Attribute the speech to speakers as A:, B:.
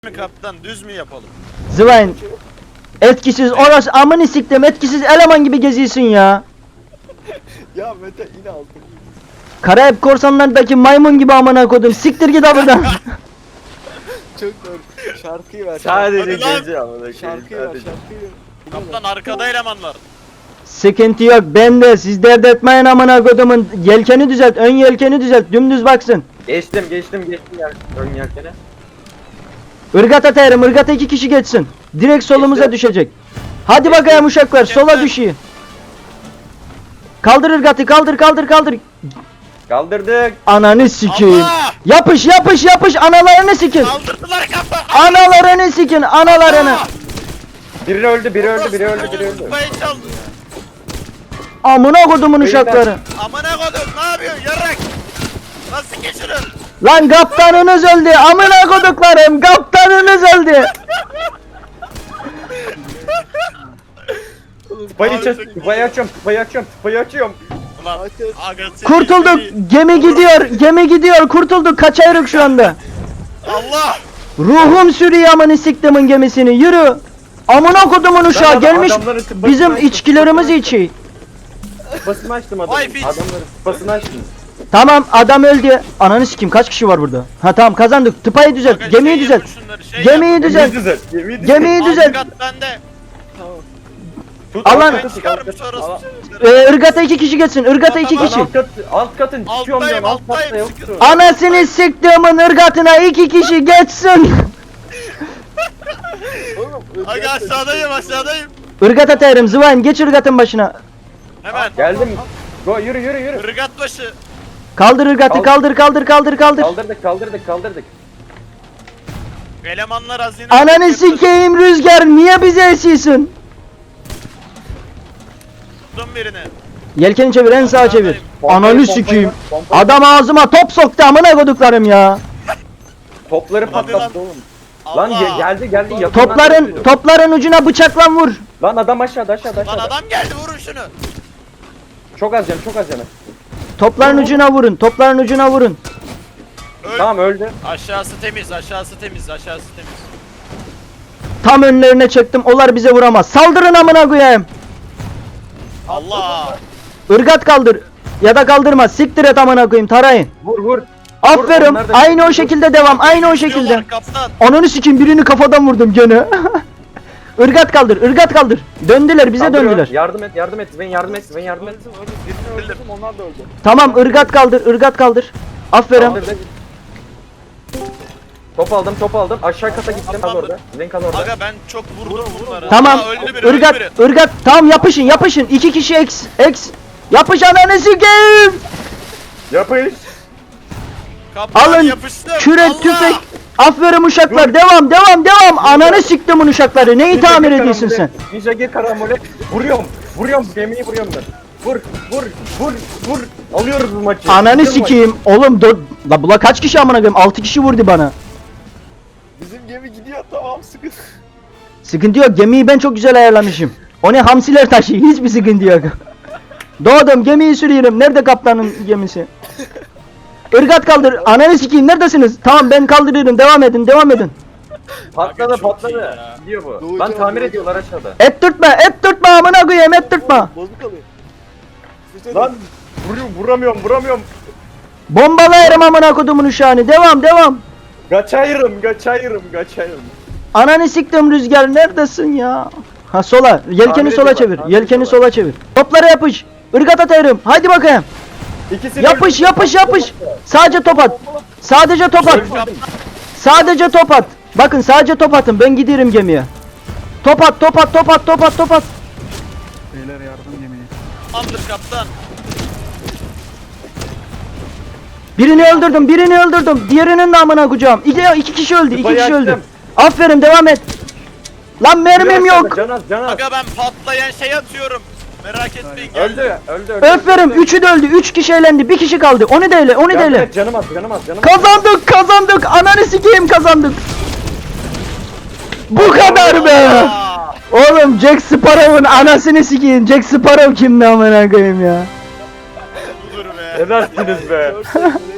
A: mi kaptan, düz mü yapalım?
B: Zıvayn. Etkisiz orası amını siktim, etkisiz eleman gibi geziyorsun ya.
C: Ya Mete yine aldım.
B: Karayip korsanlardaki maymun gibi amına kodum. Siktir git buradan.
C: Çok doğru. Şarkıyı ver.
D: Sadece
A: Hadi lan.
D: gece amına koyayım.
C: Şarkıyı ver.
D: Sadece.
C: Şarkıyı ver.
A: Kaptan arkada elemanlar.
B: Sıkıntı yok bende, siz dert etmeyin amına kodumun. Yelkeni düzelt, ön yelkeni düzelt, dümdüz baksın.
D: Geçtim yer ön yelkene.
B: Irgat atarım, ırgata 2 kişi geçsin. Direkt solumuza
D: Geçti.
B: düşecek. Hadi bakayım uşaklar, sola
A: Geçti.
B: düşüyor. Kaldır ırgatı, kaldır.
D: Kaldırdık.
B: Ananı sikeyim.
A: Allah!
B: Yapış, analarını sikin.
A: Kaldırdılar kaptan.
B: Analarını sikin, analarını.
D: Biri öldü, biri öldü.
A: Kupayı çaldı.
B: Amına kodumun uşakları.
A: Amına kodum, ne yapıyorsun yarrak? Nasıl geçirin?
B: Lan kaptanınız öldü. Amına koduklarım. Kaptanınız öldü.
D: Tıpayı açıyorum.
A: Ulan aga seni
B: Kurtulduk.
A: seni-
B: Gemi gidiyor. Kurtulduk. Kaçayırık şu anda.
A: Allah!
B: Ruhum sürüyor amını siktimin gemisini. Yürü. Amına kodumun uşağı gelmiş. Bizim içkilerimizi içiyor.
D: Tıpasını açtım
A: Vay
D: adamın.
A: piç.
D: Adamların tıpasını açtım.
B: Tamam adam öldü. Ananı sikeyim kaç kişi var burada? Ha tamam kazandık. Tıpayı düzelt.
A: Aga
B: Gemiyi
A: şey
B: düzelt.
A: yapın şunları, şey
B: Gemiyi
A: yap.
B: düzelt. Gemiyi düzelt.
A: Algat bende.
C: Tamam.
D: Tut,
B: Alan-
D: alt
A: Ben
D: katı,
A: çıkarım
D: alt katı.
A: sonrası.
B: Irgata 2 kişi geçsin. Irgata 2
A: Tamam,
B: kişi.
D: Alt katın çıkıyorum
A: Alttayım,
D: diyorum. Alt katta
A: alttayım,
D: yoktu.
A: sıkıntı.
B: Anasını siktiğimin ırgatına 2 kişi geçsin.
C: Oğlum.
A: Aga aşağıdayım.
B: Irgat atarım. Zıvayn geç ırgatın başına.
A: Hemen.
D: Geldim. Go yürü.
A: Irgat başı.
B: Kaldır ırgatı. Kaldır.
D: Kaldırdık.
A: Elemanlar hazine.
B: Ananı sikeyim Rüzgar. Niye bize esiyorsun?
A: Tuttum birini.
B: Yelkeni çevir en sağa çevir. Ananı
D: Pompayı,
B: sikeyim.
D: pompayı.
B: Adam ağzıma top soktu amına koduklarım ya.
D: Topları
A: Hadi
D: patlattı oğlum.
A: Allah.
D: Lan geldi yakından
B: Topların
D: yapıyor.
B: topların ucuna bıçakla vur.
D: Lan adam aşağıda.
A: Lan adam geldi, vurun şunu.
D: Çok az canı.
B: Topların ucuna vurun. Topların ucuna vurun.
A: Öl.
D: Tamam öldü.
A: Aşağısı temiz.
B: Tam önlerine çektim. Onlar bize vuramaz. Saldırın amına koyayım.
A: Allah!
B: Irgat kaldır. Ya da kaldırma. Siktir et amına koyayım. Tarayın.
D: Vur.
B: Aferin.
D: onlar da-
B: Aynı o şekilde devam. Aynı o şekilde.
A: Gidiyorlar kaptan.
B: Ananı sikeyim birini kafadan vurdum gene. Irgat kaldır. Döndüler bize
D: Kaldırıyor.
B: döndüler.
D: Yardım et. Ben yardım et.
C: Birini öldürdüm, onlar da öldü.
B: Tamam ırgat kaldır. Aferin.
D: Kaldırdı. Top aldım. Aşağı kata gittim. Kal orada. Kal orada.
A: Aga ben çok vurdum bunları.
B: Tamam.
A: Aa, öldü biri, öldü biri.
B: Irgat. Tamam yapışın. 2 kişi X. Yapış ananı sikeyim.
D: Yapış.
A: Kaptan
B: Alın.
A: yapıştım.
B: Küre
A: Allah!
B: tüfek. Aferin uşaklar. Devam. Ananı siktimin uşakları. Neyi tamir ediyorsun sen?
D: Ninja gir karambole. Vuruyorum. Gemiyi vuruyorum ben. Vur. Alıyoruz bu maçı.
B: Ananı
D: Alıyoruz
B: sikeyim. Oğlum la bula kaç kişi amına koyayım? 6 kişi vurdu bana.
C: Bizim gemi gidiyor, tamam, sıkıntı.
B: Sıkıntı yok. Gemiyi ben çok güzel ayarlamışım. O ne hamsiler taşı. Hiçbir sıkıntı yok. Doğdum gemiyi sürüyorum. Nerede kaptanın gemisi? Irgat kaldır. Ananı sikeyim. Neredesiniz? Tamam ben kaldırıyorum. Devam edin.
D: Patladı.
A: Aga, çok iyi ya.
D: Gidiyor bu.
C: Doğucan,
D: Lan tamir
C: doğucan.
D: ediyorlar aşağıda.
B: Et tutma amına koyayım. Et tutma.
C: Bozuk alıyor. Sıçradı.
D: Lan vuramıyorum.
B: Bombalayarım amına kodumun uşağını. Devam.
D: Kaçayırım.
B: Ananı siktim Rüzgar. Neredesin ya? Ha sola. Yelkeni
D: Tamir
B: sola
D: ediyorlar,
B: çevir.
D: tamir
B: Yelkeni
D: ediyorlar.
B: sola çevir. Toplara yapış. Irgat atarım. Haydi bakayım.
D: İkisi
B: Yapış. Sadece top at. Sadece top at. Bakın sadece top atın. Ben gidiyorum gemiye. Top at.
A: Tamamdır kaptan.
B: Birini öldürdüm. Diğerinin de amına koyacağım. İki kişi öldü.
D: Tıpayı açtım.
B: Aferin devam et. Lan mermim yok.
D: Can az.
A: Aga ben patlayan şey atıyorum. Merak etmeyin.
D: Öldü.
B: Aferin. Üçü de öldü. 3 kişi elendi. Bir kişi kaldı. Onu da ele.
D: Canım az.
B: Kazandık. Ananı sikeyim kazandık. Bu kadar be.
A: Aa!
B: Oğlum Jack Sparrow'un anasını sikeyim. Jack Sparrow kimdi amına koyayım ya.
A: Budur be.
D: Edersiniz be.
C: 4 dakika